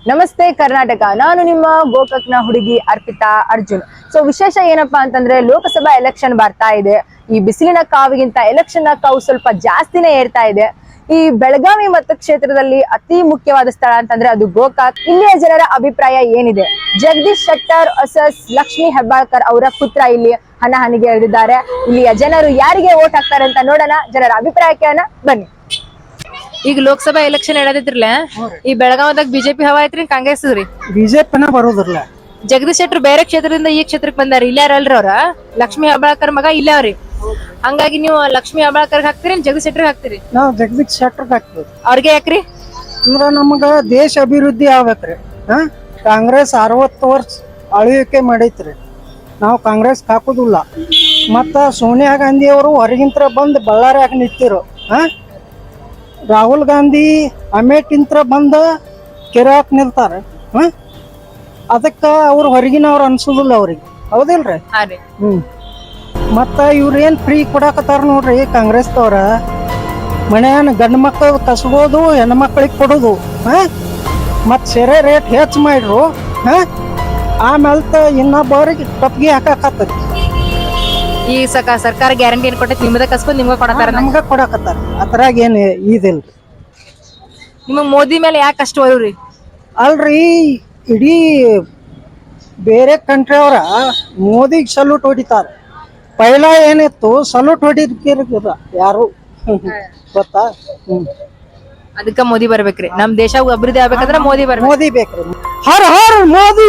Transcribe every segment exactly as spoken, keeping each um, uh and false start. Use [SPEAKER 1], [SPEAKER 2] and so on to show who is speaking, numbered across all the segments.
[SPEAKER 1] ನಮಸ್ತೆ ಕರ್ನಾಟಕ. ನಾನು ನಿಮ್ಮ ಗೋಕಾಕ್ನ ಹುಡುಗಿ ಅರ್ಪಿತಾ ಅರ್ಜುನ್. ಸೊ ವಿಶೇಷ ಏನಪ್ಪಾ ಅಂತಂದ್ರೆ ಲೋಕಸಭಾ ಎಲೆಕ್ಷನ್ ಬರ್ತಾ ಇದೆ. ಈ ಬಿಸಿಲಿನ ಕಾವಿಗಿಂತ ಎಲೆಕ್ಷನ್ ಕಾವು ಸ್ವಲ್ಪ ಜಾಸ್ತಿನೇ ಏರ್ತಾ ಇದೆ. ಈ ಬೆಳಗಾವಿ ಮತಕ್ಷೇತ್ರದಲ್ಲಿ ಅತಿ ಮುಖ್ಯವಾದ ಸ್ಥಳ ಅಂತಂದ್ರೆ ಅದು ಗೋಕಾಕ್. ಇಲ್ಲಿಯ ಜನರ ಅಭಿಪ್ರಾಯ ಏನಿದೆ? ಜಗದೀಶ್ ಶೆಟ್ಟರ್ ವರ್ಸಸ್ ಲಕ್ಷ್ಮಿ ಹೆಬ್ಬಾಳ್ಕರ್ ಅವರ ಪುತ್ರ ಇಲ್ಲಿ ಹಣಾಹಣಿಗೆ ಇಳಿದಿದ್ದಾರೆ. ಇಲ್ಲಿಯ ಜನರು ಯಾರಿಗೆ ವೋಟ್ ಹಾಕ್ತಾರೆ ಅಂತ ನೋಡೋಣ. ಜನರ ಅಭಿಪ್ರಾಯಕ್ಕೆ ಬನ್ನಿ. ಈಗ ಲೋಕಸಭಾ ಎಲೆಕ್ಷನ್ ನಡೆದಿದ್ರಲ್ಲ, ಈ ಬೆಳಗಾವದಾಗ ಬಿಜೆಪಿ ಹವಾ ಐತ್ರಿ ಕಾಂಗ್ರೆಸ್ ರೀ?
[SPEAKER 2] ಬಿಜೆಪಿನ ಬರೋದಿಲ್ಲ.
[SPEAKER 1] ಜಗದೀಶ್ ಶೆಟ್ಟರ್ ಬೇರೆ ಕ್ಷೇತ್ರದಿಂದ ಈ ಕ್ಷೇತ್ರಕ್ಕೆ ಬಂದಾರ. ಇಲ್ಲಾರಲ್ರಿ ಅವ್ರ ಲಕ್ಷ್ಮಿ ಹೆಬ್ಬಾಳ್ಕರ್ ಮಗ ಇಲ್ಲ ಅವ್ರಿ. ಹಂಗಾಗಿ ನೀವು ಲಕ್ಷ್ಮಿ ಹೆಬ್ಬಾಳ್ಕರ್ ಹಾಕ್ತಿರಿ, ಜಗದೀಶ್ ಶೆಟ್ಟರ್ ಹಾಕ್ತಿರಿ?
[SPEAKER 2] ನಾವು ಜಗದೀಶ್ ಶೆಟ್ಟರ್ ಹಾಕ್ತೀವಿ.
[SPEAKER 1] ಅವ್ರಿಗೆ ಯಾಕ್ರಿ?
[SPEAKER 2] ಅಂದ್ರ ನಮಗ ದೇಶ ಅಭಿವೃದ್ಧಿ ಆಗ್ಬೇಕ್ರಿ. ಹಾ ಕಾಂಗ್ರೆಸ್ ಅರವತ್ತು ವರ್ಷ ಆಳ್ವಿಕೆ ಮಾಡೈತ್ರಿ. ನಾವು ಕಾಂಗ್ರೆಸ್ ಹಾಕುದಿಲ್ಲ. ಮತ್ತ ಸೋನಿಯಾ ಗಾಂಧಿ ಅವರು ಹೊರಗಿಂತ್ರ ಬಂದು ಬಳ್ಳಾರಿಯಾಗ ನಿಂತಿರು. ಹಾ ರಾಹುಲ್ ಗಾಂಧಿ ಅಮೇಟಿಂತ್ರ ಬಂದ ಕೆರೆಯಾಕ್ ನಿಲ್ತಾರೆ. ಹ ಅದಕ್ಕ ಅವ್ರು ಹೊರಗಿನವ್ರು ಅನ್ಸುದಿಲ್ಲ ಅವ್ರಿಗೆ, ಹೌದಿಲ್ರಿ? ಹ್ಮ್ ಮತ್ತ ಇವ್ರೇನ್ ಫ್ರೀ ಕೊಡಾಕತ್ತಾರ ನೋಡ್ರಿ ಕಾಂಗ್ರೆಸ್ದವ್ರ. ಮನೆಯನ್ನ ಗಂಡು ಮಕ್ಕಳು ಕಸ್ಬೋದು, ಹೆಣ್ಣು ಮಕ್ಕಳಿಗೆ ಕೊಡೋದು. ಹ ಮತ್ ಸೆರೆ ರೇಟ್ ಹೆಚ್ಚು ಮಾಡ್ರು. ಹ ಆಮೇಲೆ ಇನ್ನೊಬ್ಬರಿಗೆ ಕಪ್ಪಿಗೆ ಹಾಕಾಕತ್ತೈತಿ.
[SPEAKER 1] ಈ ಸಕ ಸರ್ಕಾರ ಗ್ಯಾರಂಟಿ ಏನ್ ಕೊಟ್ಟೈತಿ? ನಿಮ್ಮದ ಕಸ್ಕೊಂಡ್ ನಿಮ್ಗ ಕೊಡತಾರ?
[SPEAKER 2] ನಮ್ಗ ಕೊಡಾಕತ್ತಾರ. ಅದ್ರಾಗ ಏನ್ ಇದಿಲ್ರಿ.
[SPEAKER 1] ನಿಮಗ್ ಮೋದಿ ಮೇಲೆ ಯಾಕೆ ಅಷ್ಟು ಒಯ್ರಿ?
[SPEAKER 2] ಅಲ್ರಿ, ಇಡೀ ಬೇರೆ ಕಂಟ್ರಿ ಅವರ ಮೋದಿಗೆ ಸಲ್ಯೂಟ್ ಹೊಡಿತಾರ. ಪೈಲ ಏನಿತ್ತು ಸಲ್ಯೂಟ್ ಹೊಡಿದ ಯಾರು ಗೊತ್ತಾ? ಹ್ಮ್
[SPEAKER 1] ಅದಕ್ಕ ಮೋದಿ ಬರ್ಬೇಕ್ರಿ. ನಮ್ ದೇಶ ಅಭಿವೃದ್ಧಿ ಆಗ್ಬೇಕಂದ್ರ ಮೋದಿ ಬರ್ಬೇಕು.
[SPEAKER 2] ಮೋದಿ ಬೇಕ್ರಿ. ಹರ್ ಹರ್ ಮೋದಿ.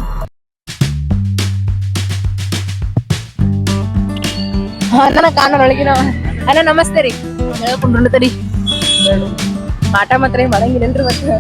[SPEAKER 1] ನನ್ನ ಕಾನೊಳಗಿನ ಅಣ್ಣ ನಮಸ್ತೆ ರೀ. ಹೇಳ್ಕೊಂಡ್ರು ತಡಿ ಮಾಟ ಮಾತ್ರ ಮಾಡಂಗಿಲ್ಲನ್ರಿ.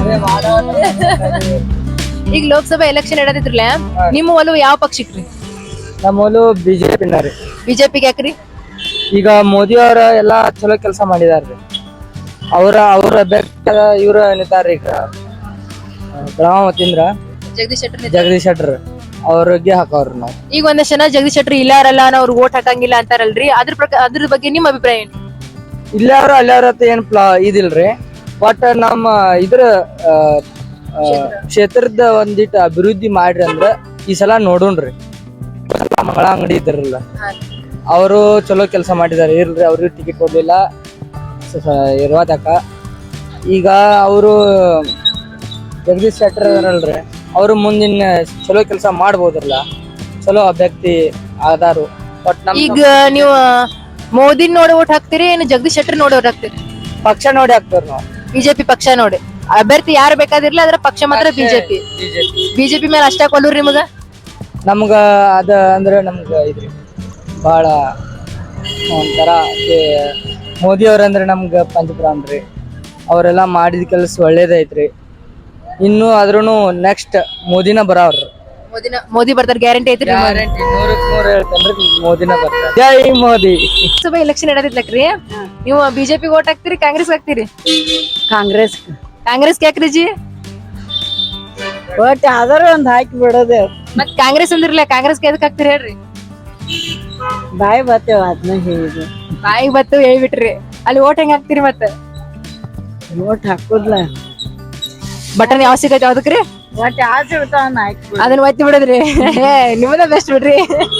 [SPEAKER 1] ಈಗ ಲೋಕಸಭಾ ಎಲೆಕ್ಷನ್ ನಡೆದಿದ್ರಲ್ಲ, ನಿಮ್ಮ ಒಲವು ಯಾವ ಪಕ್ಷಕ್ರಿ?
[SPEAKER 3] ನಮ್ಮ ಒಲವು ಬಿಜೆಪಿನ ರೀ.
[SPEAKER 1] ಬಿಜೆಪಿಗೆ ಯಾಕ್ರಿ?
[SPEAKER 3] ಈಗ ಮೋದಿ ಅವರ ಎಲ್ಲಾ ಚಲೋ ಕೆಲಸ ಮಾಡಿದಾರ್ರಿ. ಅವ್ರ ಅವ್ರ ಅಭ್ಯರ್ಥಿ ಇವ್ರ ನಿಂತಾರ್ರಿ. ಈಗ ಬೆಳಗಾವ್ ಮತ್ತಿಂದ್ರ
[SPEAKER 1] ಜಗದೀಶ್ ಶೆಟ್ಟರ್.
[SPEAKER 3] ಜಗದೀಶ್ ಶೆಟ್ಟರ್ ಅವ್ರಿಗೆ ಹಾಕವ್ರಿ ನಾವು.
[SPEAKER 1] ಈಗ ಒಂದಷ್ಟು ಜನ ಜಗದೀಶ್ ಶೆಟ್ಟರ್ ಇಲ್ಲಾರಲ್ಲ, ಅವ್ರು ವೋಟ್ ಹಾಕಂಗಿಲ್ಲ ಅಂತಾರಲ್ರಿ. ಅದ್ರ ಪ್ರಕಾರ ಅದ್ರ ಬಗ್ಗೆ ನಿಮ್ ಅಭಿಪ್ರಾಯ ಏನು?
[SPEAKER 3] ಇಲ್ಲವ್ರ ಅಲ್ಲವ್ರ ಏನ್ ಪ್ಲಾ ಇದಿಲ್ರಿ. ಬಟ್ ನಮ್ಮ ಇದ್ರ ಕ್ಷೇತ್ರದ ಒಂದಿಟ್ಟು ಅಭಿವೃದ್ಧಿ ಮಾಡ್ರಿ ಅಂದ್ರ ಈ ಸಲ ನೋಡೋಣ್ರಿ. ಮಂಗಳ ಅಂಗಡಿ ಇದ್ರಲ್ಲ, ಅವರು ಚಲೋ ಕೆಲಸ ಮಾಡಿದಾರೆ. ಇಲ್ರಿ ಅವ್ರಿಗೆ ಟಿಕೆಟ್ ಕೊಡ್ಲಿಲ್ಲ ಇರುವಾತಕ. ಈಗ ಅವರು ಜಗದೀಶ್ ಶೆಟ್ಟರ್ ಅಲ್ರಿ, ಅವರು ಮುಂದಿನ ಚಲೋ ಕೆಲಸ ಮಾಡ್ಬೋದ್ರಲ್ಲ, ಚಲೋ ಅಭ್ಯರ್ಥಿ ಆದಾರು. ಬಟ್
[SPEAKER 1] ಈಗ ನೀವು ಮೋದಿ ನೋಡಿ ಓಟ್ ಹಾಕ್ತಿರಿ ಏನು ಜಗದೀಶ್ ಶೆಟ್ಟರ್ ನೋಡಿ ಓಟ್ ಹಾಕ್ತಿರಿ?
[SPEAKER 3] ಪಕ್ಷ ನೋಡಿ ಹಾಕ್ತೇವ್ರಿ ನಾವು.
[SPEAKER 1] ಬಿಜೆಪಿ ಪಕ್ಷ ನೋಡಿ. ಅಭ್ಯರ್ಥಿ ಯಾರು ಬೇಕಾದಿರ್ಲಿ, ಅದ್ರ ಪಕ್ಷ ಮಾತ್ರ ಬಿಜೆಪಿ. ಬಿಜೆಪಿ ಮೇಲೆ ಅಷ್ಟೇ ಕೊಲ್ಲೂರಿ ನಿಮಗ? ನಮ್ಗ
[SPEAKER 3] ಅದ ಅಂದ್ರೆ ನಮ್ಗ ಇದ್ರಿ ಬಹಳ ಒಂಥರ ಮೋದಿ ಅವ್ರಂದ್ರೆ ನಮ್ಗ ಪಂಚಪ್ರಾಣ ರೀ. ಅವರೆಲ್ಲ ಮಾಡಿದ ಕೆಲಸ ಒಳ್ಳೇದೈತ್ರಿ. ಇನ್ನು ಆದ್ರೂನು ನೆಕ್ಸ್ಟ್ ಮೋದಿನ ಬರವ್ರಿ.
[SPEAKER 1] ಮೋದಿನ ಮೋದಿ ಬರ್ತಾರ ಗ್ಯಾರಂಟಿ ಐತ್ರಿ?
[SPEAKER 3] ಗ್ಯಾರಂಟಿ ನೂರಕ್ ನೂರ ಹೇಳ್ತೇನ್ರಿ, ಮೋದಿನ ಬರ್ತಾರ. ಜೈ ಮೋದಿ.
[SPEAKER 1] ಲೋಕಸಭಾ ಎಲೆಕ್ಷನ್ ನಡೆದಿದ್ಲಕ್ರಿ, ನೀವು ಬಿಜೆಪಿ ಓಟ್ ಹಾಕ್ತಿರಿ ಕಾಂಗ್ರೆಸ್ ಹಾಕ್ತಿರಿ?
[SPEAKER 2] ಕಾಂಗ್ರೆಸ್.
[SPEAKER 1] ಕಾಂಗ್ರೆಸ್ ಯಾಕ್ರಿ ಜಿ?
[SPEAKER 2] ಒಟ್ ಯಾವ್ದಾರ ಒಂದ್ ಹಾಕಿ ಬಿಡೋದೇ.
[SPEAKER 1] ಮತ್ ಕಾಂಗ್ರೆಸ್ ಅಂದಿರ್ಲಿಲ್ಲ, ಕಾಂಗ್ರೆಸ್ ಎದಕ್ ಹಾಕ್ತಿರಿ ಹೇಳ್ರಿ?
[SPEAKER 2] ಬಾಯಿ ಬರ್ತೇವ ಅದನ್ನ ಹೇಳಿದ್ರು.
[SPEAKER 1] ಬಾಯಿಗೆ ಬತ್ತು ಹೇಳ್ಬಿಟ್ರಿ. ಅಲ್ಲಿ ಓಟ್ ಹೆಂಗ್ ಹಾಕ್ತಿರಿ? ಮತ್ತ
[SPEAKER 2] ಓಟ್ ಹಾಕುದ್ಲ
[SPEAKER 1] ಬಟನ್ ಯಾವ ಸಿಗತ್ತೆ ಯಾವ್ದಕ್ರಿ?
[SPEAKER 2] ಒಟ್ ಯಾವ್ದು ಇರ್ತಾವ ಹಾಕಿ
[SPEAKER 1] ಅದನ್ನ ಒತ್ತಿ ಬಿಡದ್ರಿ. ನಿಮ್ಮದ ಬೆಸ್ಟ್ ಬಿಡ್ರಿ.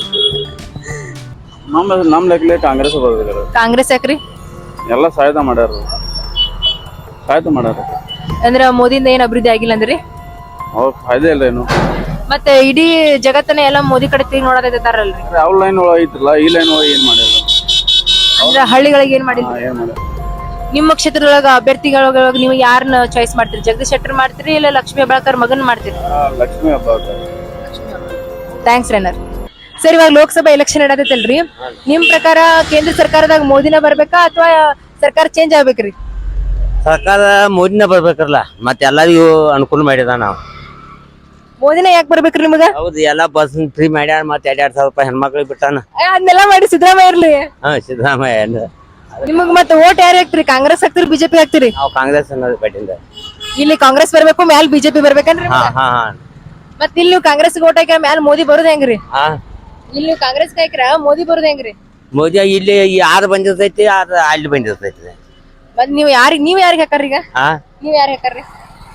[SPEAKER 4] ನಮ್ ನಮ್ ಲೆಕ್ಕಲೆ ಕಾಂಗ್ರೆಸ್ ಬರೋದಿಲ್ಲ.
[SPEAKER 1] ಕಾಂಗ್ರೆಸ್ ಯಾಕ್ರಿ?
[SPEAKER 4] ಎಲ್ಲ ಸಹಾಯತ ಮಾಡ್ಯಾರ, ಸಹಾಯತ ಮಾಡ್ಯಾರ.
[SPEAKER 1] ಅಂದ್ರ ಮೋದಿಯಿಂದ ಏನ್ ಅಭಿವೃದ್ಧಿ ಆಗಿಲ್ಲ ಅಂದ್ರಿ?
[SPEAKER 4] ಅವ್ರ ಫಾಯ್ದೆ ಇಲ್ಲ ಏನು.
[SPEAKER 1] ಮತ್ತೆ ಇಡೀ ಜಗತ್ತನ್ನ ಎಲ್ಲ ಮೋದಿ ಕಡೆ ತಿರುಗಿ ನೋಡೋದಾರಲ್ರಿ.
[SPEAKER 4] ಯಾವ ಲೈನ್ ಒಳಗ ಐತ್ರಲ್ಲ, ಈ ಲೈನ್ ಒಳಗ ಏನ್ ಮಾಡ್ಯಾರ?
[SPEAKER 1] ಅಂದ್ರ ಹಳ್ಳಿಗಳಿಗೆ ಏನ್ ಮಾಡಿಲ್ಲ.
[SPEAKER 4] ಏನ್ ಮಾಡ್ಯಾರ?
[SPEAKER 1] ನಿಮ್ಮ ಕ್ಷೇತ್ರದೊಳಗ ಅಭ್ಯರ್ಥಿಗಳೊಳಗ ನೀವು ಯಾರನ್ನ ಚಾಯ್ಸ್ ಮಾಡ್ತೀರಿ? ಜಗದೀಶ್ ಶೆಟ್ಟರ್ ಮಾಡ್ತೀರಿ ಇಲ್ಲ ಲಕ್ಷ್ಮಿ ಹೆಬ್ಬಾಳ್ಕರ್ ಮಗನ್ ಮಾಡ್ತೀರಿ?
[SPEAKER 4] ಲಕ್ಷ್ಮಿ ಹೆಬ್ಬಾಳ್ಕರ್.
[SPEAKER 1] ಥ್ಯಾಂಕ್ಸ್ ರೇನರ್. ಸರ್, ಇವಾಗ ಲೋಕಸಭಾ ಎಲೆಕ್ಷನ್ ನಡೆದೈತಲ್ರಿ, ನಿಮ್ ಪ್ರಕಾರ ಕೇಂದ್ರ ಸರ್ಕಾರದಾಗ ಮೋದಿನ ಬರ್ಬೇಕಾ ಅಥವಾ ಸರ್ಕಾರ ಚೇಂಜ್ ಆಗ್ಬೇಕ್ರಿ?
[SPEAKER 5] ಸರ್ಕಾರ ಮೋದಿನ ಬರ್ಬೇಕ್ರಲ್ಲ, ಮತ್ತೆ ಎಲ್ಲರಿಗೂ ಅನುಕೂಲ ಮಾಡಿದ. ನಾವು
[SPEAKER 1] ಮೋದಿನ ಯಾಕೆ ಬರ್ಬೇಕ್ರಿ ನಿಮಗ?
[SPEAKER 5] ಹೌದು, ಎಲ್ಲಾ ಬಸ್ ಫ್ರೀ ಮಾಡ್ಯಾರ. ಮತ್ತೆ ಎರಡ್ ಎರಡ್ ಸಾವಿರ ರೂಪಾಯಿ ಹೆಣ್ಮಕ್ಳಿಗೆ ಬಿಟ್ಟಾನ.
[SPEAKER 1] ಅದನ್ನೆಲ್ಲ ಮಾಡಿ ಸಿದ್ದರಾಮಯ್ಯ ಇರ್ಲಿ.
[SPEAKER 5] ಹಾ, ಸಿದ್ದರಾಮಯ್ಯ.
[SPEAKER 1] ನಿಮಗ್ ಮತ್ತೆ ಓಟ್ ಯಾರು ಹಾಕ್ತಿರಿ? ಕಾಂಗ್ರೆಸ್ ಹಾಕ್ತಿರಿ ಬಿಜೆಪಿ ಹಾಕ್ತಿರಿ?
[SPEAKER 5] ನಾವು ಕಾಂಗ್ರೆಸ್ ಅನ್ನೋದು ಬಟ್ಟಿಂದ.
[SPEAKER 1] ಇಲ್ಲಿ ಕಾಂಗ್ರೆಸ್ ಬರ್ಬೇಕು, ಮ್ಯಾಲ ಬಿಜೆಪಿ ಬರ್ಬೇಕನ್ರಿ?
[SPEAKER 5] ಹಾ ಹಾ ಹಾ
[SPEAKER 1] ಮತ್ ಇಲ್ಲಿ ನೀವು ಕಾಂಗ್ರೆಸ್ ಓಟ್ ಹಾಕಿ ಮ್ಯಾಲ ಮೋದಿ ಬರೋದ್ ಹೆಂಗ್ರಿ?
[SPEAKER 5] ಹಾ,
[SPEAKER 1] ಇಲ್ಲಿ ನೀವು ಕಾಂಗ್ರೆಸ್ ಹಾಕಿರ ಮೋದಿ ಬರೋದ್ ಹೆಂಗ್ರಿ?
[SPEAKER 5] ಮೋದಿ ಇಲ್ಲಿ ಯಾರು ಬಂದಿರ್ತೈತಿ, ಅದು ಅಲ್ಲಿ ಬಂದಿರ್ತೈತಿ.
[SPEAKER 1] ಮತ್ ನೀವ್ ಯಾರಿಗ್ ನೀವ್ ಯಾರಿಗ್ ಹಾಕಾರಿ? ಈಗ
[SPEAKER 5] ಹಾ,
[SPEAKER 1] ನೀವ್ ಯಾರಿಗ್ ಹಾಕಾರಿ?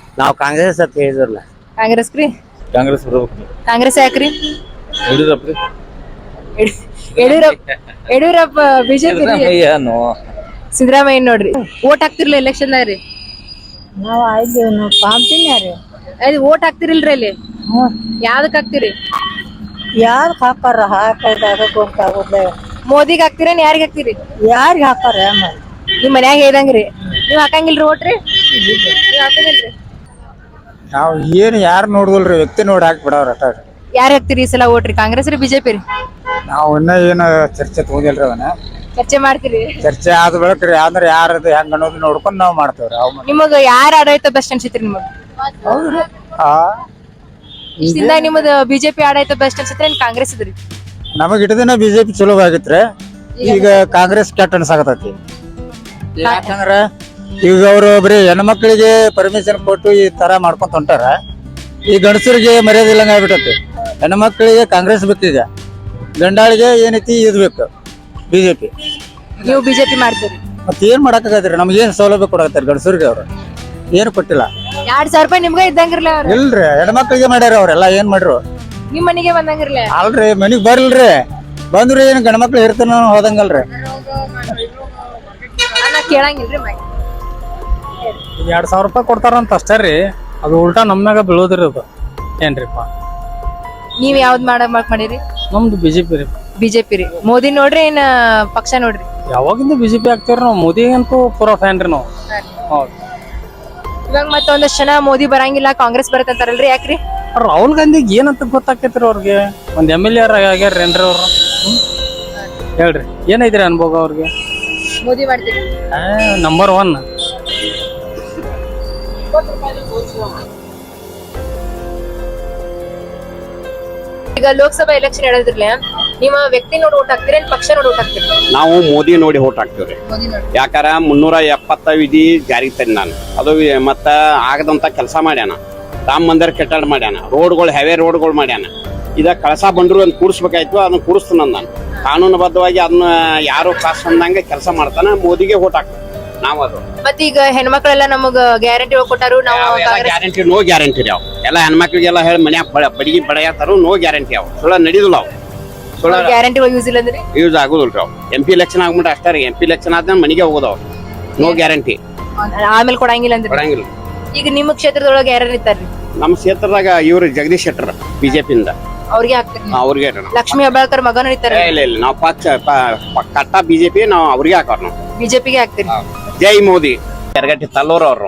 [SPEAKER 5] ನಾವು ಕಾಂಗ್ರೆಸ್ ಅಂತ ಹೇಳಿದ್ರಲ್ಲ.
[SPEAKER 1] ಕಾಂಗ್ರೆಸ್ ರೀ?
[SPEAKER 4] ಕಾಂಗ್ರೆಸ್ ಬರ್ಬೇಕು.
[SPEAKER 1] ಕಾಂಗ್ರೆಸ್ ಯಾಕ್ರಿ?
[SPEAKER 4] ಯಡಿಯೂರಪ್ಪ ರೀ.
[SPEAKER 1] ಯಡಿಯೂರಪ್ಪ ಯಡಿಯೂರಪ್ಪ ಬಿಜೆಪಿ ಸಿದ್ದರಾಮಯ್ಯ ನೋಡ್ರಿ. ಓಟ್ ಹಾಕ್ತಿರ್ಲಿ ಎಲೆಕ್ಷನ್ದಾಗ ರೀ?
[SPEAKER 6] ನಾವ್ ಆಯ್ತು ನಾವು ಪಾಂಪಿನ ರೀ.
[SPEAKER 1] ಅದು ಓಟ್ ಹಾಕ್ತಿರಿಲ್ರಿ ಅಲ್ಲಿ? ಯಾವ್ದಕ್ ಹಾಕ್ತಿರಿ?
[SPEAKER 6] ಯಾರ್ ಹಾಕಾರ ಹಾಕದಾಗ ಗೊತ್ತಾಗೋದೇ.
[SPEAKER 1] ಮೋದಿಗ್ ಹಾಕ್ತಿರೇನ್ ಯಾರಿಗ್ ಹಾಕ್ತಿರಿ?
[SPEAKER 6] ಯಾರಿಗ್ ಹಾಕಾರ?
[SPEAKER 1] ನಿಮ್ ಮನ್ಯಾಗ ಹೇಳ್ದಂಗ್ರಿ ನೀವ್ ಹಾಕಂಗಿಲ್ರಿ ಓಟ್ ರೀ? ನೀವ್ ಹಾಕಂಗಿಲ್ರಿ?
[SPEAKER 7] ನಾವ್ ಏನ್ ಯಾರು ನೋಡುದಿಲ್ರಿ, ವ್ಯಕ್ತಿ ನೋಡಿ ಹಾಕ್ಬಿಡವ್ರ ಅಟ.
[SPEAKER 1] ಯಾರ್ ಹಾಕ್ತಿರಿ ಈ ಸಲ ಓಟ್ ರೀ? ಕಾಂಗ್ರೆಸ್ ರೀ ಬಿಜೆಪಿ ರೀ?
[SPEAKER 7] ನಾವ್ ಇನ್ನ ಏನ ಚರ್ಚೆ ತಗೋದಿಲ್ರಿ ಅವನ.
[SPEAKER 1] ಚರ್ಚೆ ಮಾಡ್ತೀರಿ?
[SPEAKER 7] ಚರ್ಚೆ ಆದ ಬೆಳಕ್ರಿ ಅಂದ್ರೆ ಯಾರದು ಹೆಂಗ ಅನ್ನೋದು ನೋಡ್ಕೊಂಡ್ ನಾವ್ ಮಾಡ್ತೇವ್ರಿ. ಅವ್
[SPEAKER 1] ನಿಮಗ ಯಾರ ಆಡಳಿತ ಬೆಸ್ಟ್ ಅನ್ಸಿತ್ರಿ ನಿಮಗ?
[SPEAKER 7] ಹೌದ್ರಿ. ಆ
[SPEAKER 1] ಇಷ್ಟಿಂದ ನಿಮ್ಮದ ಬಿಜೆಪಿ ಆಡಳಿತ ಬೆಸ್ಟ್ ಅನ್ಸಿತ್ರಿ ಏನ್ ಕಾಂಗ್ರೆಸ್ ಇದ್ರಿ?
[SPEAKER 7] ನಮಗ್ ಇಟ್ಟದಿನ ಬಿಜೆಪಿ ಚಲೋ ಆಗಿತ್ರಿ, ಈಗ ಕಾಂಗ್ರೆಸ್ ಕೆಟ್ಟ ಅನ್ಸಾಕತೈತಿ. ಯಾಕಂದ್ರ ಈಗ ಅವ್ರು ಬರೀ ಹೆಣ್ಮಕ್ಳಿಗೆ ಪರ್ಮಿಷನ್ ಕೊಟ್ಟು ಈ ತರ ಮಾಡ್ಕೊಂತ ಹೊಂಟಾರ. ಈ ಗಂಡಸರಿಗೆ ಮರ್ಯಾದೆ ಇಲ್ಲಂಗ ಆಗ್ಬಿಟ್ಟತಿ. ಹೆಣ್ಮಕ್ಳಿಗೆ ಕಾಂಗ್ರೆಸ್ ಬೇಕೀಗ, ಗಂಡಾಳಿಗೆ ಏನೈತಿ ಇದ್ ಬೇಕು ಬಿಜೆಪಿ.
[SPEAKER 1] ನೀವು ಬಿಜೆಪಿ ಮಾಡ್ತೀರಿ?
[SPEAKER 7] ಮತ್ ಏನ್ ಮಾಡಕ್ಕಾಗತ್ರಿ, ನಮ್ಗೆ ಏನ್ ಸೌಲಭ್ಯ ಕೊಡಕತ್ತಾರ ಗಂಡಸರಿಗೆ? ಅವ್ರು ಏನು ಕೊಟ್ಟಿಲ್ಲ.
[SPEAKER 1] ಎರಡ್ ಸಾವಿರ ರೂಪಾಯಿ ನಿಮ್ಗ ಇದ್ದಂಗಿರ್ಲಿ ಅವ್ರ?
[SPEAKER 7] ಇಲ್ರಿ, ಹೆಣ್ಮಕ್ಳಿಗೆ ಮಾಡ್ಯಾರ ಅವ್ರೆಲ್ಲ. ಏನ್ ಮಾಡ್ರು?
[SPEAKER 1] ನಿಮ್ ಮನೆಗೆ ಬಂದಂಗಿರ್ಲಿ?
[SPEAKER 7] ಅಲ್ರಿ, ಮನಿಗ್ ಬರ್ಲ್ರಿ, ಬಂದ್ರಿ ಏನ್ ಗಂಡ್ಮಕ್ಳು ಇರ್ತಾನ ಹೋದಂಗಲ್ರಿ.
[SPEAKER 1] ನಾ ಕೇಳಂಗಿಲ್ರಿ ಮೈ.
[SPEAKER 8] ಎರಡ್ ಸಾವಿರ ರೂಪಾಯಿ ಕೊಡ್ತಾರಂತ ಅಷ್ಟೇ ರೀ, ಅದು ಉಲ್ಟಾ ನಮ್ನಾಗ ಬೀಳೋದ್ರಿ ಅದು. ಏನ್ರಿಪ್ಪ
[SPEAKER 1] ನೀವ್ ಯಾವ್ದ್ ಮಾಡ ಮಾಡಿರಿ?
[SPEAKER 8] ನಮ್ದು ಬಿಜೆಪಿ ರೀ.
[SPEAKER 1] ಬಿಜೆಪಿ ರೀ? ಮೋದಿ ನೋಡ್ರಿ ಏನ್ ಪಕ್ಷ ನೋಡ್ರಿ?
[SPEAKER 8] ಯಾವಾಗಿಂದ ಬಿಜೆಪಿ ಆಗ್ತೇವ್ರಿ ನಾವು. ಮೋದಿ ಅಂತೂ ಪೂರಾ ಫ್ಯಾನ್ ರೀ ನಾವು. ಹೌದು.
[SPEAKER 1] ಇವಾಗ ಮತ್ತೊಂದಷ್ಟು ಜನ ಮೋದಿ ಬರಂಗಿಲ್ಲ ಕಾಂಗ್ರೆಸ್ ಬರತ್ತಂತಾರಲ್ರಿ, ಯಾಕ್ರಿ?
[SPEAKER 8] ರಾಹುಲ್ ಗಾಂಧಿಗೆ ಏನಂತ ಗೊತ್ತಾಕೈತ್ರಿ ಅವ್ರಿಗೆ? ಒಂದ್ ಎಮ್ ಎಲ್ ಎ ಆಗ್ಯಾರೇನ್ರಿ ಅವ್ರು? ಹೇಳ್ರಿ, ಏನೈತ್ರಿ ಅನ್ಭೋಗ ಅವ್ರಿಗೆ?
[SPEAKER 1] ಮೋದಿ ಮಾಡ್ತೀರಿ?
[SPEAKER 8] Number one.
[SPEAKER 1] ಈಗ ಲೋಕಸಭಾ ಎಲೆಕ್ಷನ್ ಹೇಳಿದ್ರಲ್ಲ, ನಿಮ್ಮ ವ್ಯಕ್ತಿ ನೋಡಿ ಓಟ್ ಹಾಕ್ತೀರಿ ಏನ್ ಪಕ್ಷ ನೋಡಿ ಓಟ್ ಹಾಕ್ತೀರಿ?
[SPEAKER 9] ನಾವು ಮೋದಿ ನೋಡಿ ಓಟ್ ಹಾಕ್ತೇವ್ರಿ. ಯಾಕಾರ ಮುನ್ನೂರ ಎಪ್ಪತ್ತ ವಿಧಿ ಜಾರಿಗೆ ತಂದ ನಾನು. ಅದು ಮತ್ತ ಆಗದಂತ ಕೆಲಸ ಮಾಡ್ಯಾನ. ರಾಮ ಮಂದಿರ ಕೆಟ್ಟಾಡ್ ಮಾಡ್ಯಾನ, ರೋಡ್ಗಳು ಹೆವೆ ರೋಡ್ಗಳು ಮಾಡ್ಯಾನ. ಇದ ಕಳಸಾ ಬಂದ್ರು ಅಂತ ಕೂಡಿಸ್ಬೇಕಾಯ್ತು, ಅದನ್ನ ಕೂಡಿಸ್ತಾನ ನಾನು. ಕಾನೂನುಬದ್ಧವಾಗಿ ಅದನ್ನ ಯಾರು ಕಾಸು ಅಂದಂಗೆ ಕೆಲಸ ಮಾಡ್ತಾನ. ಮೋದಿಗೆ ಓಟ್ ಹಾಕ್ತೀವಿ ನಾವ್. ಅದು
[SPEAKER 1] ಮತ್ತೆ ಈಗ ಹೆಣ್ಮಕ್ಳೆಲ್ಲ ನಮಗ ಗ್ಯಾರಂಟಿ ಕೊಟ್ಟಾರು, ನಾವು
[SPEAKER 9] ಗ್ಯಾರಂಟಿ ನೋ ಗ್ಯಾರಂಟಿ ರೀ. ಅವ್ ಎಲ್ಲ ಹೆಣ್ಮಕ್ಳಿಗೆಲ್ಲ ಹೇಳಿ ಮನ್ಯಾಗ ಬಡಿಗೆ ಬಡಿಯತ್ತಾರು, ನೋ ಗ್ಯಾರಂಟಿ. ಅವ್ ಸುಳ್ಳ ನಡೀದಿಲ್ಲ. ಅವ್ ಸುಳ್ಳ
[SPEAKER 1] ಗ್ಯಾರಂಟಿ ಯೂಸ್ ಇಲ್ಲ ಅಂದ್ರೆ
[SPEAKER 9] ಯೂಸ್ ಆಗುದಿಲ್ರಿ. ಅವ್ ಎಂ ಪಿ ಎಲೆಕ್ಷನ್ ಆಗ್ಬಿಟ್ರೆ ಅಷ್ಟೇ ರೀ. ಎಂ ಪಿ ಎಲೆಕ್ಷನ್ ಆದ್ಮೇಲೆ ಮನೆಗೆ ಹೋಗೋದವ್, ನೋ ಗ್ಯಾರಂಟಿ.
[SPEAKER 1] ಆಮೇಲೆ ಕೊಡಂಗಿಲ್ಲ ಅಂದ್ರೆ
[SPEAKER 9] ಕೊಡಂಗಿಲ್ಲ.
[SPEAKER 1] ಈಗ ನಿಮ್ಮ ಕ್ಷೇತ್ರದೊಳಗೆ ಯಾರು ಇರ್ತಾರ್ರಿ?
[SPEAKER 9] ನಮ್ಮ ಕ್ಷೇತ್ರದಾಗ ಇವ್ರು ಜಗದೀಶ್ ಶೆಟ್ಟರ್ ಬಿಜೆಪಿಯಿಂದ,
[SPEAKER 1] ಅವ್ರಿಗೆ ಹಾಕ್ತೀರಿ?
[SPEAKER 9] ಅವ್ರಿಗೆ.
[SPEAKER 1] ಲಕ್ಷ್ಮೀ ಹೆಬ್ಬಾಳ್ಕರ್ ಮಗನ ಇರ್ತಾರೆ?
[SPEAKER 9] ಇಲ್ಲ ಇಲ್ಲ, ನಾವು ಪಕ್ಷ ಕಟ್ಟ ಬಿಜೆಪಿ, ನಾವು ಅವ್ರಿಗೆ ಹಾಕೋರ್. ನಾವು
[SPEAKER 1] ಬಿಜೆಪಿಗೆ ಹಾಕ್ತೀರಿ?
[SPEAKER 9] ಜೈ ಮೋದಿ. ಎರಗಟ್ಟಿ ತಲ್ಲೂರ್ ಅವ್ರು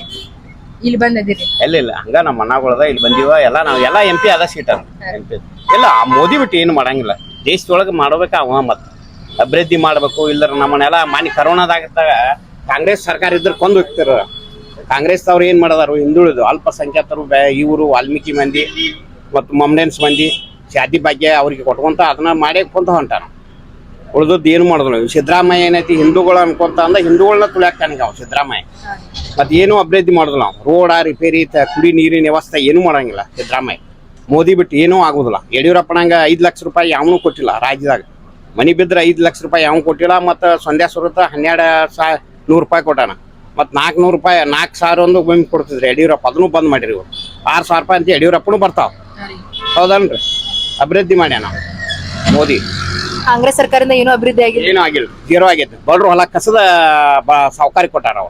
[SPEAKER 1] ಇಲ್ಲಿ ಬಂದಿರಿ?
[SPEAKER 9] ಎಲ್ಲ ಇಲ್ಲ, ಹಂಗ ನಮ್ಮ ಮಣ್ಣಗಳದ ಇಲ್ಲಿ ಬಂದಿವ. ಎಲ್ಲ ನಾವ್ ಎಲ್ಲಾ ಎಂ ಪಿ ಅದ ಸೀಟ್ ಎಂ ಪಿ ಇಲ್ಲ. ಆ ಮೋದಿ ಬಿಟ್ಟು ಏನು ಮಾಡಂಗಿಲ್ಲ. ದೇಶದೊಳಗೆ ಮಾಡ್ಬೇಕ ಅವ. ಮತ್ ಅಭಿವೃದ್ಧಿ ಮಾಡ್ಬೇಕು. ಇಲ್ಲರ ನಮ್ಮನ್ನೆಲ್ಲ ಮಾನಿ ಕರೋನಾದಾಗ ಕಾಂಗ್ರೆಸ್ ಸರ್ಕಾರ ಇದ್ರ ಕೊಂದು ಹೋಗ್ತಾರ. ಕಾಂಗ್ರೆಸ್ ಅವ್ರು ಏನ್ ಮಾಡದಾರು, ಹಿಂದುಳಿದು ಅಲ್ಪಸಂಖ್ಯಾತರು, ಇವರು ವಾಲ್ಮೀಕಿ ಮಂದಿ ಮತ್ತು ಮಮ್ಡೆನ್ಸ್ ಮಂದಿ ಶಾದಿ ಭಾಗ್ಯ ಅವ್ರಿಗೆ ಕೊಟ್ಕೊಂತ ಅದನ್ನ ಮಾಡೇ ಕೊಂತ ಹೊಂಟಾನ. ಉಳ್ದದ್ದು ಏನು ಮಾಡಿದ್ರು. ಸಿದ್ದರಾಮಯ್ಯ ಏನೈತಿ, ಹಿಂದೂಗಳು ಅನ್ಕೊಂತ ಅಂದ ಹಿಂದೂಗಳನ್ನ ತುಳಿಯಾಕ್ತಾನಿಗ ಅವ್ ಸಿದ್ದರಾಮಯ್ಯ. ಮತ್ ಏನು ಅಭಿವೃದ್ಧಿ ಮಾಡುದಿಲ್ಲ ನಾವು. ರೋಡ ರಿಪೇರಿ, ಕುಡಿ ನೀರಿನ ವ್ಯವಸ್ಥೆ ಏನು ಮಾಡಂಗಿಲ್ಲ ಸಿದ್ದರಾಮಯ್ಯ. ಮೋದಿ ಬಿಟ್ಟು ಏನೂ ಆಗುದಿಲ್ಲ. ಯಡಿಯೂರಪ್ಪನಂಗ ಐದ್ ಲಕ್ಷ ರೂಪಾಯಿ ಯಾವನು ಕೊಟ್ಟಿಲ್ಲ ರಾಜ್ಯದಾಗ. ಮನಿ ಬಿದ್ರೆ ಐದ್ ಲಕ್ಷ ರೂಪಾಯಿ ಯಾವ ಕೊಟ್ಟಿಲ್ಲ. ಮತ್ತ ಸಂಧ್ಯಾ ಸುರತ ಹನ್ನೆರಡು ಸಾ ನೂರು ರೂಪಾಯಿ ಕೊಟ್ಟಾನ. ಮತ್ ನಾಲ್ಕು ನೂರು ರೂಪಾಯಿ ನಾಲ್ಕು ಸಾವಿರ ಒಂದು ಒಮ್ಮೆ ಕೊಡ್ತಿದ್ರಿ ಯಡಿಯೂರಪ್ಪ. ಅದನ್ನು ಬಂದ್ ಮಾಡಿರಿ ಇವ್ರು. ಆರು ಸಾವಿರ ರೂಪಾಯಿ ಅಂತ ಯಡಿಯೂರಪ್ಪನು ಬರ್ತಾವ. ಹೌದನ್ರಿ? ಅಭಿವೃದ್ಧಿ ಮಾಡ್ಯಾನ ಮೋದಿ.
[SPEAKER 1] ಕಾಂಗ್ರೆಸ್ ಸರ್ಕಾರದಿಂದ ಏನೂ ಅಭಿವೃದ್ಧಿ ಆಗಿಲ್ಲ? ಏನೂ
[SPEAKER 9] ಆಗಿಲ್ಲ, ಜೀರೋ ಆಗೈತೆ. ಬಡ್ರು ಹೊಲ ಕಸದ ಸಾವುಕಾರಿ ಕೊಟ್ಟಾರ ಅವ್ರು.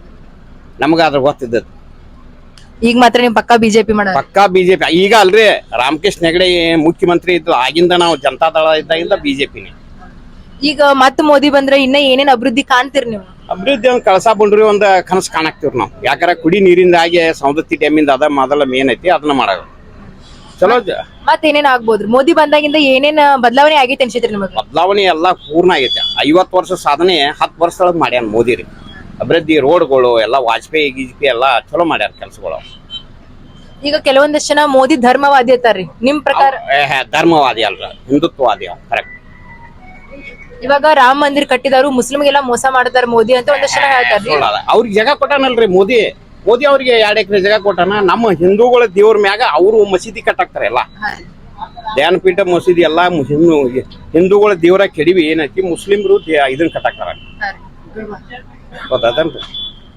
[SPEAKER 9] ನಮ್ಗ ಅದ್ರ ಗೊತ್ತಿದ್ದದ್ದು.
[SPEAKER 1] ಈಗ ಮಾತ್ರ ನಿಮ್ ಪಕ್ಕಾ ಬಿಜೆಪಿ ಮಾಡ?
[SPEAKER 9] ಪಕ್ಕಾ ಬಿಜೆಪಿ. ಈಗ ಅಲ್ರಿ, ರಾಮಕೃಷ್ಣ ಹೆಗಡೆ ಮುಖ್ಯಮಂತ್ರಿ ಇದ್ದು ಆಗಿಂದ ನಾವು ಜನತಾ ದಳ ಇದ್ದಾಗಿಂದ ಬಿಜೆಪಿನೇ.
[SPEAKER 1] ಈಗ ಮತ್ ಮೋದಿ ಬಂದ್ರೆ ಇನ್ನ ಏನೇನ್ ಅಭಿವೃದ್ಧಿ ಕಾಣ್ತೀರಿ ನೀವು?
[SPEAKER 9] ಅಭಿವೃದ್ಧಿ ಒಂದ್ ಕಳಸಾ ಬಂಡ್ರಿ ಒಂದ್ ಕನಸು ಕಾಣಾಕ್ತಿವ್ರಿ ನಾವು. ಯಾಕಂದ್ರೆ ಕುಡಿ ನೀರಿಂದ ಆಗಿ ಸೌದತ್ತಿ ಡ್ಯಾಮಿಂದ ಅದ ಮೊದಲ ಮೇನ್ ಐತಿ, ಅದನ್ನ ಮಾಡೋದು ಚಲೋ.
[SPEAKER 1] ಮತ್ ಏನೇನ್ ಆಗ್ಬೋದ್ರಿ? ಮೋದಿ ಬಂದಾಗಿಂದ ಏನೇನ್ ಬದಲಾವಣೆ ಆಗೈತೆ ಅನ್ಸಿತ್ರಿ ನಿಮಗೆ?
[SPEAKER 9] ಬದಲಾವಣೆ ಎಲ್ಲಾ ಪೂರ್ಣ ಆಗೈತೆ. ಐವತ್ತು ವರ್ಷ ಸಾಧನೆ ಹತ್ತು ವರ್ಷದೊಳಗೆ ಮಾಡ್ಯಾನ ಮೋದಿ ರೀ. ಅಭಿವೃದ್ಧಿ ರೋಡ್ಗಳು ಎಲ್ಲ ವಾಜಪೇಯಿ ಗಿಜ್ಪೇಯಿ ಎಲ್ಲ ಚಲೋ ಮಾಡ್ಯಾರ ಕೆಲಸಗಳು.
[SPEAKER 1] ಈಗ ಕೆಲವೊಂದಷ್ಟು ಜನ ಮೋದಿ ಧರ್ಮವಾದಿ ಅಂತಾರ್ರಿ, ನಿಮ್ ಪ್ರಕಾರ?
[SPEAKER 9] ಧರ್ಮವಾದಿ ಅಲ್ರ, ಹಿಂದುತ್ವವಾದಿ ಅವ್. ಕರೆಕ್ಟ್.
[SPEAKER 1] ಇವಾಗ ರಾಮ ಮಂದಿರ ಕಟ್ಟಿದವರು ಮುಸ್ಲಿಮ್ಗೆಲ್ಲ ಮೋಸ ಮಾಡ್ತಾರ ಮೋದಿ ಅಂತ ಒಂದಷ್ಟು ಜನ ಹೇಳ್ತಾರ್ರಿ.
[SPEAKER 9] ಅವ್ರಿಗೆ ಜಾಗ ಕೊಟ್ಟಾನಲ್ರಿ ಮೋದಿ. ಮೋದಿ ಅವ್ರಿಗೆ ಎರಡ್ ಎಕರೆ ಜಾಗ ಕೊಟ್ಟಾನ. ನಮ್ಮ ಹಿಂದೂಗಳ ದೇವ್ರ ಮ್ಯಾಗ ಅವರು ಮಸೀದಿ ಕಟ್ಟಾಕ್ತಾರೆ. ಎಲ್ಲ ಧ್ಯಾನಪೀಠ ಮಸೀದಿ ಎಲ್ಲಾ ಹಿಂದೂಗಳ ದೇವರ ಕೆಡವಿ ಏನೈತಿ ಮುಸ್ಲಿಮ್ರು ಇದನ್ನ ಕಟ್ಟಾಕ್ತಾರ. ಗೊತ್ತಾದನ್ರಿ?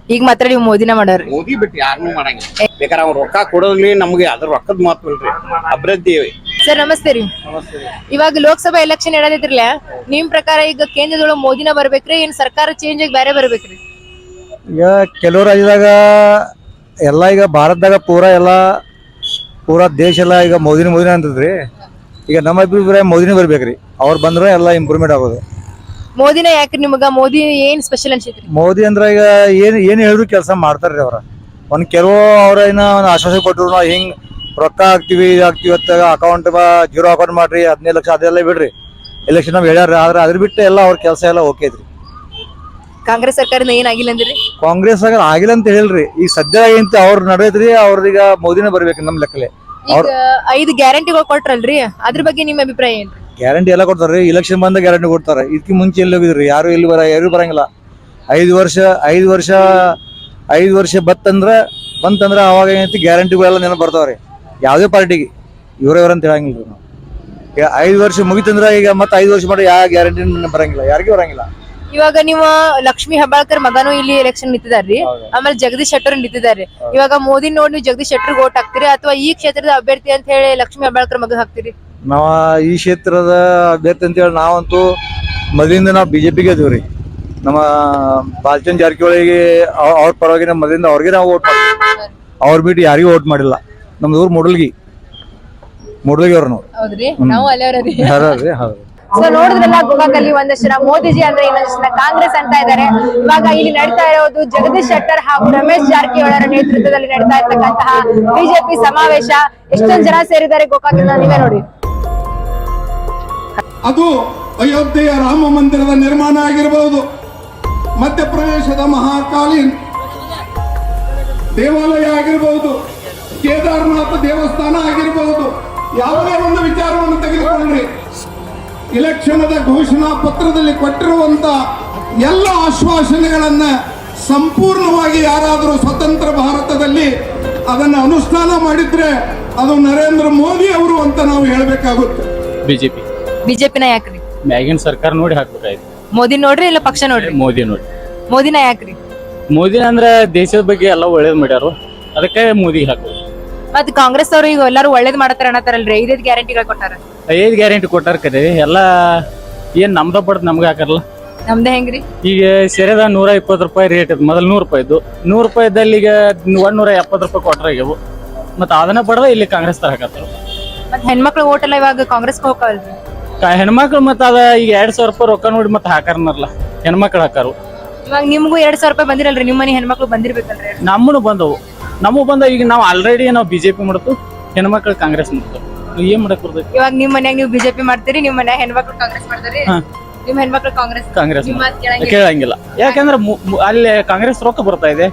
[SPEAKER 1] ಈಗ ಮಾತ್ರ ನೀವು ಮೋದಿನ ಮಾಡೋರಿ.
[SPEAKER 9] ಮೋದಿ ಬಿಟ್ಟು ಯಾರನ್ನೂ ಮಾಡಂಗಿಲ್ಲ. ಬೇಕಾದ್ರೆ ಅವ್ರು ರೊಕ್ಕ ಕೊಡೋದ್ಲಿ ನಮ್ಗೆ ಅದ್ರ ರೊಕ್ಕದ ಮಾತು ಇಲ್ರಿ, ಅಭಿವೃದ್ಧಿ.
[SPEAKER 1] ಸರ್ ನಮಸ್ತೆ ರೀ. ಇವಾಗ ಲೋಕಸಭಾ ಎಲೆಕ್ಷನ್ ನಡೆದಿದ್ರಲ್ಲ, ನಿಮ್ ಪ್ರಕಾರ ಈಗ ಕೇಂದ್ರದೊಳಗೆ ಮೋದಿನ ಬರ್ಬೇಕ್ರಿ ಏನ್ ಸರ್ಕಾರ ಚೇಂಜ್ ಆಗಿ ಬೇರೆ ಬರ್ಬೇಕ್ರಿ?
[SPEAKER 7] ಈಗ ಕೆಲವು ರಾಜ್ಯದಾಗ ಎಲ್ಲ ಈಗ ಭಾರತದಾಗ ಪೂರಾ ಎಲ್ಲ ಪೂರಾ ದೇಶ ಎಲ್ಲ ಈಗ ಮೋದಿನ ಮೋದಿನ ಅಂತದ್ರಿ. ಈಗ ನಮ್ಮ ಅಭಿಪ್ರಾಯ ಮೋದಿನೇ ಬರ್ಬೇಕ್ರಿ. ಅವ್ರು ಬಂದ್ರೆ ಎಲ್ಲ ಇಂಪ್ರೂವ್ಮೆಂಟ್ ಆಗೋದು.
[SPEAKER 1] ಮೋದಿನ ಯಾಕ್ರಿ ನಿಮಗ? ಮೋದಿ ಏನ್ ಸ್ಪೆಷಲ್ ಅನ್ಸೈತ್ರಿ?
[SPEAKER 7] ಮೋದಿ ಅಂದ್ರೆ ಈಗ ಏನ್ ಏನ್ ಹೇಳಿದ್ರು ಕೆಲಸ ಮಾಡ್ತಾರ್ರಿ ಅವ್ರ. ಒಂದ್ ಕೆಲವು ಅವ್ರ ಏನ ಒಂದು ಆಶ್ವಾಸನೆ ಕೊಟ್ಟರು, ನಾವು ಹಿಂಗ್ ರೊಕ್ಕ ಹಾಕ್ತಿವಿ ಹಾಕ್ತಿವಿ ಅಂತ ಅಕೌಂಟ್ ಜೀರೋ ಅಕೌಂಟ್ ಮಾಡ್ರಿ ಹದಿನೈದು ಲಕ್ಷ ಅದೆಲ್ಲ ಬಿಡ್ರಿ ಎಲೆಕ್ಷನ್ ನಾವ್ ಹೇಳ್ಯಾರ. ಆದ್ರೆ ಅದ್ರ ಬಿಟ್ಟು ಎಲ್ಲ ಅವ್ರ ಕೆಲಸ ಎಲ್ಲ ಓಕೆ ಐತ್ರಿ.
[SPEAKER 1] ಕಾಂಗ್ರೆಸ್ ಸರ್ಕಾರದಿಂದ ಏನಾಗಿಲ್ಲ ಅಂದ್ರಿ?
[SPEAKER 7] ಕಾಂಗ್ರೆಸ್ ಆಗ ಆಗಿಲ್ಲ ಅಂತ ಹೇಳ್ರಿ. ಈಗ ಸದ್ಯ ಏನಂತ ಅವ್ರ ನಡೆದ್ರಿ, ಅವ್ರೀಗ ಮೋದಿನೇ ಬರ್ಬೇಕು ನಮ್ ಲೆಕ್ಕಲೆ.
[SPEAKER 1] ಈಗ ಐದು ಗ್ಯಾರಂಟಿಗಳು ಕೊಟ್ರಲ್ರಿ, ಅದ್ರ ಬಗ್ಗೆ ನಿಮ್ ಅಭಿಪ್ರಾಯ ಏನ್ರಿ?
[SPEAKER 7] ಗ್ಯಾರಂಟಿ ಎಲ್ಲ ಕೊಡ್ತಾರ್ರಿ. ಇಲೆಕ್ಷನ್ ಬಂದ ಗ್ಯಾರಂಟಿ ಕೊಡ್ತಾರೆ. ಇದಕ್ಕೆ ಮುಂಚೆ ಎಲ್ಲಿ ಹೋಗಿದ್ರಿ? ಯಾರು ಇಲ್ಲಿ ಬರ ಯಾರು ಬರಂಗಿಲ್ಲ. ಐದು ವರ್ಷ ಐದು ವರ್ಷ ಐದು ವರ್ಷ ಬತ್ತಂದ್ರ ಬಂತಂದ್ರ ಅವಾಗ ಏನೈತಿ ಗ್ಯಾರಂಟಿಗಳೆಲ್ಲ ನೆನಪು ಬರ್ತಾವ್ರಿ ಯಾವುದೇ ಪಾರ್ಟಿಗೆ. ಇವ್ರ ಅಂತ ಹೇಳಂಗಿಲ್ರಿ ನಾವು. ಈಗ ಐದು ವರ್ಷ ಮುಗಿತಂದ್ರ ಈಗ ಮತ್ತೆ ಐದು ವರ್ಷ ಮಾಡಿ ಯಾವ ಗ್ಯಾರಂಟಿ ಬರಂಗಿಲ್ಲ, ಯಾರಿಗೂ ಬರಂಗಿಲ್ಲ.
[SPEAKER 1] ಇವಾಗ ನೀವು ಲಕ್ಷ್ಮೀ ಹೆಬ್ಬಾಳ್ಕರ್ ಮಗನೂ ಇಲ್ಲಿ ಎಲೆಕ್ಷನ್ ನಿಂತಿದಾರ್ರಿ, ಆಮೇಲೆ ಜಗದೀಶ್ ಶೆಟ್ಟರ್ ನಿಂತಿದ್ದಾರೆ. ಇವಾಗ ಮೋದಿ ನೋಡಿ ನೀವು ಜಗದೀಶ್ ಶೆಟ್ಟರ್ ಓಟ್ ಹಾಕ್ತಿರಿ ಅಥವಾ ಈ ಕ್ಷೇತ್ರದ ಅಭ್ಯರ್ಥಿ ಅಂತ ಹೇಳಿ ಲಕ್ಷ್ಮೀ ಹೆಬ್ಬಾಳ್ಕರ್ ಮಗ ಹಾಕ್ತಿರಿ?
[SPEAKER 7] ನಾವ ಈ ಕ್ಷೇತ್ರದ ಅಭ್ಯರ್ಥಿ ಅಂತ ಹೇಳಿ ನಾವಂತೂ ಮೊದಲಿಂದ ನಾವು ಬಿಜೆಪಿಗೆ ಇದೀವ್ರಿ. ನಮ್ಮ ಬಾಲಚಂದ್ರ ಜಾರಕಿಹೊಳಿಗೆ ಅವ್ರ ಪರವಾಗಿ ನಮ್ಮ ಮೊದಲಿಂದ ಅವ್ರಿಗೆ ನಾವು ಓಟ್ ಮಾಡ್ತೀವಿ. ಅವ್ರ ಬಿಟ್ಟು ಯಾರಿಗೂ ಓಟ್ ಮಾಡಿಲ್ಲ. ನಮ್ದು ಊರು ಮೂಡಲ್ಗಿ ಮೂಡಲ್ಗಿ ಅವ್ರ ನಾವು.
[SPEAKER 1] ಹೌದ್ರಿ, ನಾವು ಅಲ್ಲೇ
[SPEAKER 7] ಹೌದ್ರಿ. ಹೌದು.
[SPEAKER 1] ಸೊ ನೋಡಿದ್ರಲ್ಲ, ಗೋಕಾಕಲ್ಲಿ ಒಂದಷ್ಟು ಜನ ಮೋದಿಜಿ ಅಂದ್ರೆ ಇನ್ನೊಂದಷ್ಟು ಜನ ಕಾಂಗ್ರೆಸ್ ಅಂತ ಇದ್ದಾರೆ. ಇವಾಗ ಇಲ್ಲಿ ನಡೀತಾ ಇರೋದು ಜಗದೀಶ್ ಶೆಟ್ಟರ್ ಹಾಗೂ ರಮೇಶ್ ಜಾರಕಿಹೊಳಿ ನೇತೃತ್ವದಲ್ಲಿ ನಡೀತಾ ಇರ್ತಕ್ಕಂತಹ ಬಿಜೆಪಿ ಸಮಾವೇಶ. ಎಷ್ಟೊಂದು ಜನ ಸೇರಿದ್ದಾರೆ ಗೋಕಾಕಿನ, ನೀವೇ ನೋಡಿ.
[SPEAKER 10] ಅದು ಅಯೋಧ್ಯೆಯ ರಾಮ ಮಂದಿರದ ನಿರ್ಮಾಣ ಆಗಿರಬಹುದು, ಮಧ್ಯಪ್ರದೇಶದ ಮಹಾಕಾಲೀನ್ ದೇವಾಲಯ ಆಗಿರಬಹುದು, ಕೇದಾರನಾಥ ದೇವಸ್ಥಾನ ಆಗಿರಬಹುದು. ಯಾವುದೇ ಒಂದು ವಿಚಾರವನ್ನು ತೆಗೆದುಕೊಂಡ್ರಿ, ಇಲೆಕ್ಷನದ ಘೋಷಣಾ ಪತ್ರದಲ್ಲಿ ಕೊಟ್ಟಿರುವಂತ ಎಲ್ಲ ಆಶ್ವಾಸನೆಗಳನ್ನ ಸಂಪೂರ್ಣವಾಗಿ ಯಾರಾದರೂ ಸ್ವತಂತ್ರ ಭಾರತದಲ್ಲಿ ಅದನ್ನು ಅನುಷ್ಠಾನ ಮಾಡಿದ್ರೆ ಅದು ನರೇಂದ್ರ ಮೋದಿ ಅವರು ಅಂತ ನಾವು ಹೇಳಬೇಕಾಗುತ್ತೆ.
[SPEAKER 8] ಬಿಜೆಪಿ
[SPEAKER 1] ಬಿಜೆಪಿನ ಯಾಕ್ರಿ?
[SPEAKER 8] ಮ್ಯಾಗಿನ ಸರ್ಕಾರ ನೋಡಿ ಹಾಕ್ಬೇಕಾಯ್ತು.
[SPEAKER 1] ಮೋದಿ ನೋಡ್ರಿ ಇಲ್ಲ ಪಕ್ಷ ನೋಡ್ರಿ?
[SPEAKER 8] ಮೋದಿ ನೋಡಿ.
[SPEAKER 1] ಮೋದಿನ ಯಾಕ್ರಿ?
[SPEAKER 8] ಮೋದಿ ಅಂದ್ರೆ ದೇಶದ ಬಗ್ಗೆ ಎಲ್ಲ ಒಳ್ಳೇದ್ ಮಾಡ್ಯಾರು, ಅದಕ್ಕೆ ಮೋದಿ ಹಾಕೋದು.
[SPEAKER 1] ಮತ್ ಕಾಂಗ್ರೆಸ್ ಅವರು ಈಗ ಎಲ್ಲಾರು ಒಳ್ಳೇದ್ ಮಾಡತಾರ ಅನ್ನತಾರಲ್ರಿ, ಐದೈದು ಗ್ಯಾರಂಟಿಗಳು ಕೊಟ್ಟಾರ.
[SPEAKER 8] ಐದು ಗ್ಯಾರಂಟಿ ಕೊಟ್ಟಾರ ಕರೆ ಎಲ್ಲ ಏನ್ ನಮ್ದ ಪಡ್ದು ನಮ್ಗೆ ಹಾಕಾರಲ್ಲ.
[SPEAKER 1] ನಮ್ದೇ ಹೆಂಗ್ರಿ?
[SPEAKER 8] ಈಗ ಸೆರೆದ ನೂರ ಇಪ್ಪತ್ತು ರೂಪಾಯಿ ರೇಟ್ ಇದ್ ಮೊದಲು ನೂರು ರೂಪಾಯಿ ಇದ್ದು, ನೂರು ರೂಪಾಯಿದಲ್ಲಿ ಈಗ ಒಂದೂರ ಎಪ್ಪತ್ತು ರೂಪಾಯಿ ಕೊಟ್ರಾಗ್ಯವು. ಮತ್ತೆ ಅದನ್ನ ಪಡೆದ ಇಲ್ಲಿ ಕಾಂಗ್ರೆಸ್ ತರ ಹಾಕತ್ತಾರ.
[SPEAKER 1] ಮತ್ ಹೆಣ್ಮಕ್ಳು ಓಟ್ ಎಲ್ಲ ಇವಾಗ ಕಾಂಗ್ರೆಸ್ ಹೋಗಲ್ರಿ?
[SPEAKER 8] ಹೆಣ್ಮಕ್ಳು ಮತ್ತ ಅದ ಈಗ ಎರಡ್ ಸಾವಿರ ರೂಪಾಯಿ ರೊಕ್ಕ ನೋಡಿ ಮತ್ತೆ ಹಾಕಾರನಲ್ಲ, ಹೆಣ್ಮಕ್ಳು ಹಾಕಾರು.
[SPEAKER 1] ಇವಾಗ ನಿಮ್ಗೂ ಎರಡ್ ಸಾವಿರ ರೂಪಾಯಿ ಬಂದಿರಲ್ರಿ, ನಿಮ್ಮ ಮನೆ ಹೆಣ್ಮಕ್ಳು ಬಂದಿರ್ಬೇಕಲ್ರಿ?
[SPEAKER 8] ನಮ್ಮನು ಬಂದವು, ನಮಗ್ ಬಂದ. ಈಗ ನಾವು ಆಲ್ರೆಡಿ ನಾವು ಬಿಜೆಪಿ ಮಾಡ್ತು, ಹೆಣ್ಮಕ್ಳು ಕಾಂಗ್ರೆಸ್ ಮಾಡ್ತು. ಏನ್ ಮಾಡಕ್ ಬರ್ತೈತಿ?
[SPEAKER 1] ಇವಾಗ ನಿಮ್ ಮನ್ಯಾಗ ನೀವು ಬಿಜೆಪಿ ಮಾಡ್ತೀರಿ, ನಿಮ್ ಮನ್ಯಾಗ ಹೆಣ್ಮಕ್ಳು ಕಾಂಗ್ರೆಸ್ ಮಾಡ್ತಾರಿ, ನಿಮ್ ಹೆಣ್ಮಕ್ಳು ಕಾಂಗ್ರೆಸ್
[SPEAKER 8] ಕಾಂಗ್ರೆಸ್ ಕೇಳಂಗಿಲ್ಲ. ಯಾಕಂದ್ರೆ ಅಲ್ಲಿ ಕಾಂಗ್ರೆಸ್ ರೊಕ್ಕ ಬರ್ತಾ ಇದೆ.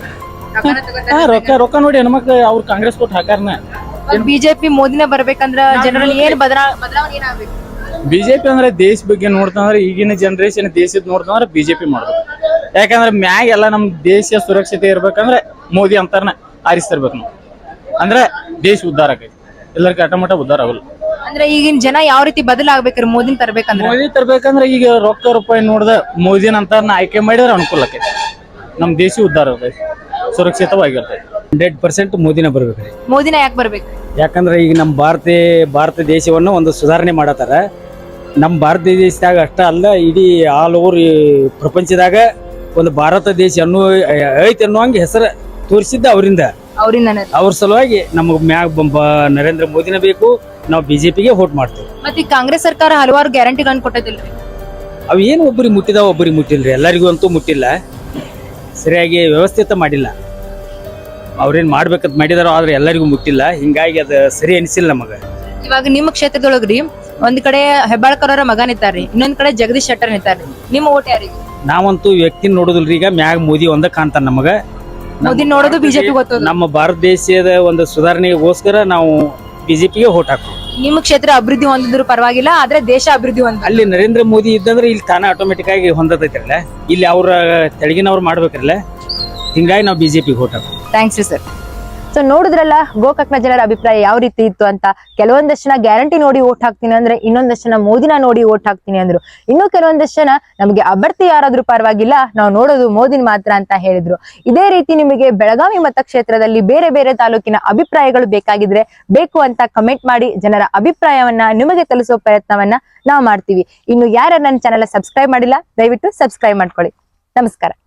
[SPEAKER 8] ರೊಕ್ಕ ರೊಕ್ಕ ನೋಡಿ ಹೆಣ್ಮಕ್ಳು ಅವ್ರು ಕಾಂಗ್ರೆಸ್ ಕೊಟ್ಟು ಹಾಕಾರನ.
[SPEAKER 1] ಬಿಜೆಪಿ ಮೋದಿನ ಬರ್ಬೇಕಂದ್ರ ಜನರಲ್ಲಿ ಏನ್ ಬದಲಾವಣೆ ಏನಾಗ್ಬೇಕು?
[SPEAKER 8] ಬಿಜೆಪಿ ಅಂದ್ರೆ ದೇಶ ಬಗ್ಗೆ ನೋಡ್ತಂದ್ರೆ ಈಗಿನ ಜನರೇಷನ್ ದೇಶದ ನೋಡ್ತಂದ್ರೆ ಬಿಜೆಪಿ ಮಾಡೋದು. ಯಾಕಂದ್ರೆ ಮ್ಯಾಗ ಎಲ್ಲ ನಮ್ ದೇಶ ಸುರಕ್ಷತೆ ಇರ್ಬೇಕಂದ್ರೆ ಮೋದಿ ಅಂತಾರನ ಆರಿಸ್ತಿರ್ಬೇಕು ನಾವು. ಅಂದ್ರೆ ದೇಶ ಉದ್ಧಾರ ಆಗೈತಿ, ಎಲ್ಲರಿಗೂ ಅಟಮಟ ಉದ್ಧಾರ ಆಗಲ್ಲ.
[SPEAKER 1] ಅಂದ್ರೆ ಈಗಿನ ಜನ ಯಾವ ರೀತಿ ಬದಲಾಗ್ಬೇಕ್ರಿ ಮೋದಿನ ತರ್ಬೇಕಂದ್ರೆ?
[SPEAKER 8] ಮೋದಿ ತರ್ಬೇಕಂದ್ರೆ ಈಗ ರೊಕ್ಕ ರೂಪಾಯಿ ನೋಡ್ದ ಮೋದಿನ ಅಂತಾರನ ಆಯ್ಕೆ ಮಾಡಿದ್ರೆ ಅನುಕೂಲ ಆಕೈತಿ, ನಮ್ ದೇಶ ಉದ್ಧಾರ ಆಗೈತಿ, ಸುರಕ್ಷಿತವಾಗಿರ್ತೈತಿ.
[SPEAKER 3] Hundred percent ಮೋದಿನ ಬರ್ಬೇಕ್ರಿ.
[SPEAKER 1] ಮೋದಿನ ಯಾಕೆ ಬರ್ಬೇಕು?
[SPEAKER 3] ಯಾಕಂದ್ರೆ ಈಗ ನಮ್ಮ ಭಾರತ ಭಾರತ ದೇಶವನ್ನು ಒಂದು ಸುಧಾರಣೆ ಮಾಡತ್ತಾರ. ನಮ್ಮ ಭಾರತ ದೇಶದಾಗ ಅಷ್ಟ ಅಲ್ಲ, ಇಡೀ ಆಲ್ ಓವರ್ ಪ್ರಪಂಚದಾಗ ಒಂದು ಭಾರತ ದೇಶ ಅನ್ನೋ ಐತಿ ಅನ್ನುವಂಗೆ ಹೆಸರು ತೋರಿಸಿದ್ದ ಅವರಿಂದ.
[SPEAKER 1] ಅವರಿಂದ
[SPEAKER 3] ಅವ್ರ ಸಲುವಾಗಿ ನಮಗ್ ಮ್ಯಾಗ ನರೇಂದ್ರ ಮೋದಿನ ಬೇಕು, ನಾವು ಬಿಜೆಪಿಗೆ ವೋಟ್ ಮಾಡ್ತೇವೆ.
[SPEAKER 1] ಮತ್ತೆ ಈ ಕಾಂಗ್ರೆಸ್ ಸರ್ಕಾರ ಹಲವಾರು ಗ್ಯಾರಂಟಿಗಳನ್ನ ಕೊಟ್ಟದಿಲ್ರಿ?
[SPEAKER 3] ಅವ್ ಏನು ಒಬ್ಬರಿಗೆ ಮುಟ್ಟಿದಾವ ಒಬ್ಬರಿಗೆ ಮುಟ್ಟಿಲ್ರಿ, ಎಲ್ಲರಿಗೂ ಅಂತೂ ಮುಟ್ಟಿಲ್ಲ. ಸರಿಯಾಗಿ ವ್ಯವಸ್ಥಿತ ಮಾಡಿಲ್ಲ. ಅವ್ರೇನ್ ಮಾಡ್ಬೇಕಂತ ಮಾಡಿದಾರೋ ಆದ್ರೆ ಎಲ್ಲರಿಗೂ ಮುಟ್ಟಿಲ್ಲ. ಹಿಂಗಾಗಿ ಅದ ಸರಿ ಅನಿಸಿಲ್ಲ ನಮಗ.
[SPEAKER 1] ಇವಾಗ ನಿಮ್ಮ ಕ್ಷೇತ್ರದೊಳಗ್ರಿ ಒಂದ್ ಕಡೆ ಹೆಬ್ಬಾಳ್ಕರ್ ಅವರ ಮಗ ನಿಂತಾರ್ರಿ, ಇನ್ನೊಂದ್ ಕಡೆ ಜಗದೀಶ್ ಶೆಟ್ಟರ್ ನಿಂತಾರ್ರಿ. ನಿಮ್ಮ ಓಟ್ ಯಾರಿಗೆ?
[SPEAKER 3] ನಾವಂತೂ ವ್ಯಕ್ತಿ ನೋಡುದಿಲ್ರಿ. ಈಗ ಮ್ಯಾಗ ಮೋದಿ ಒಂದ ಕಾಣ್ತಾನ ನಮಗ.
[SPEAKER 1] ಮೋದಿ ನೋಡೋದು ಬಿಜೆಪಿ ಗೊತ್ತದ.
[SPEAKER 3] ನಮ್ಮ ಭಾರತ ದೇಶದ ಒಂದು ಸುಧಾರಣೆಗೋಸ್ಕರ ನಾವು ಬಿಜೆಪಿಗೆ ವೋಟ್ ಹಾಕ್ತೀವಿ.
[SPEAKER 1] ನಿಮ್ಮ ಕ್ಷೇತ್ರ ಅಭಿವೃದ್ಧಿ ಹೊಂದಿದ್ರು ಪರವಾಗಿಲ್ಲ, ಆದ್ರೆ ದೇಶ ಅಭಿವೃದ್ಧಿ ಹೊಂದ.
[SPEAKER 3] ಅಲ್ಲಿ ನರೇಂದ್ರ ಮೋದಿ ಇದ್ದಂದ್ರೆ ಇಲ್ಲಿ ತಾನ ಆಟೋಮೆಟಿಕ್ ಆಗಿ ಹೊಂದತೈತ್ರಲ್ಲ, ಇಲ್ಲಿ ಅವ್ರ ತೆಳಗಿನವ್ರು ಮಾಡ್ಬೇಕ್ರಲ್ಲ, ಹಿಂಗಾಗಿ ನಾವು ಬಿಜೆಪಿಗೆ ವೋಟ್ ಹಾಕ್ತೀವಿ.
[SPEAKER 1] ಥ್ಯಾಂಕ್ಸ್ ರೀ ಸರ್. ಸೊ ನೋಡಿದ್ರಲ್ಲ ಗೋಕಾಕ್ನ ಜನರ ಅಭಿಪ್ರಾಯ ಯಾವ ರೀತಿ ಇತ್ತು ಅಂತ. ಕೆಲವೊಂದಷ್ಟು ಜನ ಗ್ಯಾರಂಟಿ ನೋಡಿ ಓಟ್ ಹಾಕ್ತೀನಿ ಅಂದ್ರೆ, ಇನ್ನೊಂದಷ್ಟು ಜನ ಮೋದಿನ ನೋಡಿ ಓಟ್ ಹಾಕ್ತೀನಿ ಅಂದ್ರು. ಇನ್ನು ಕೆಲವೊಂದಷ್ಟು ಜನ ನಮಗೆ ಅಭ್ಯರ್ಥಿ ಯಾರಾದ್ರೂ ಪರವಾಗಿಲ್ಲ, ನಾವು ನೋಡೋದು ಮೋದಿನ ಮಾತ್ರ ಅಂತ ಹೇಳಿದ್ರು. ಇದೇ ರೀತಿ ನಿಮಗೆ ಬೆಳಗಾವಿ ಮತಕ್ಷೇತ್ರದಲ್ಲಿ ಬೇರೆ ಬೇರೆ ತಾಲೂಕಿನ ಅಭಿಪ್ರಾಯಗಳು ಬೇಕಾಗಿದ್ರೆ ಬೇಕು ಅಂತ ಕಮೆಂಟ್ ಮಾಡಿ ಜನರ ಅಭಿಪ್ರಾಯವನ್ನ ನಿಮಗೆ ತಿಳಿಸೋ ಪ್ರಯತ್ನವನ್ನ ನಾವು ಮಾಡ್ತೀವಿ. ಇನ್ನು ಯಾರು ನನ್ನ ಚಾನೆಲ್ ಸಬ್ಸ್ಕ್ರೈಬ್ ಮಾಡಿಲ್ಲ ದಯವಿಟ್ಟು ಸಬ್ಸ್ಕ್ರೈಬ್ ಮಾಡ್ಕೊಳ್ಳಿ. ನಮಸ್ಕಾರ.